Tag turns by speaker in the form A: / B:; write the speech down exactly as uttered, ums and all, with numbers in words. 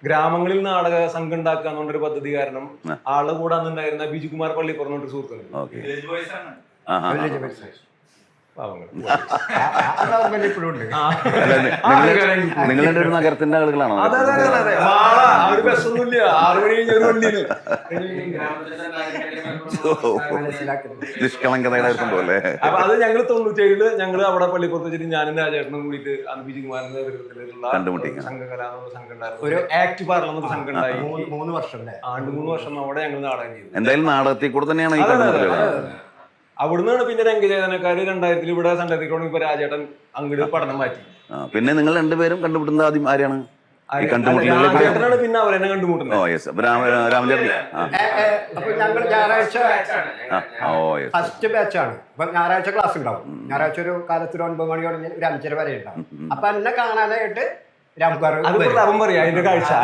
A: ഗ്രാമങ്ങളിൽ നാടക സംഘം ഉണ്ടാക്കുക എന്നുള്ളൊരു പദ്ധതി കാരണം ആളെ കൂടെ അന്നുണ്ടായിരുന്ന ബിജുകുമാർ പള്ളി പറഞ്ഞൊരു സുഹൃത്തുണ്ട്.
B: നിങ്ങളുടെ ഒരു നഗരത്തിന്റെ ആളുകളാണോ?
A: അതെ അതെ അതെ അതെ ആ ഒരു ബസ്സൊന്നുമില്ല, ആറു മണി കഴിഞ്ഞ ഒരു വണ്ടിയിൽ
B: നിഷ്കളങ്കതയുടെ പോലെ.
A: അപ്പൊ അത് ഞങ്ങൾ തൊണ്ണൂറ്റേഴില് ഞങ്ങള് അവിടെ പള്ളിപ്പുറത്ത് വെച്ചിട്ട് ഞാനും രാജേട്ടനും കൂടിയിട്ട് അന്ന് ബിജുകുമാറിന്റെ നേതൃത്വത്തിലുള്ള സംഘകലാ സംഘം ഉണ്ടായിരുന്നു. ഒരു ആക്ട് പാർലമെന്റ് സംഘം ഉണ്ടായി.
C: മൂന്ന് വർഷം
A: ആണ്ട് മൂന്ന് വർഷം അവിടെ ഞങ്ങൾ നാടകം ചെയ്തു.
B: എന്തായാലും നാടകത്തിൽ കൂടെ തന്നെയാണ് ഈ
A: അവിടുന്നാണ് പിന്നെ രംഗചേതനക്കാര് രണ്ടായിരത്തിൽ ഇവിടെ സണ്ടത്തിക്കോണം ഇപ്പൊ രാജേട്ടൻ അങ്ങോട്ട് പഠനം മാറ്റി.
B: പിന്നെ നിങ്ങൾ രണ്ടുപേരും കണ്ടുപിടുന്നത് ആദ്യം ആരെയാണ്?
A: രാജേട്ടനാണ് പിന്നെ അവരെന്നെ കണ്ടുമുട്ടുന്നത്.
B: ഓ യെസ്. രാമചേട്ടൻ
C: അപ്പൊ ഞങ്ങൾ ഞായറാഴ്ച ഫസ്റ്റ് ബാച്ചാണ്. അപ്പൊ ഞായറാഴ്ച ക്ലാസ് ഉണ്ടാവും. ഞായറാഴ്ച ഒരു കാലത്ത് ഒരു ഒൻപത് മണി തുടങ്ങി ഒരു അഞ്ചര വരെ ഉണ്ടാവും. അപ്പൊ എന്നെ കാണാനായിട്ട് രാംകാർ
A: അത് പറയാ അതിന്റെ കാഴ്ച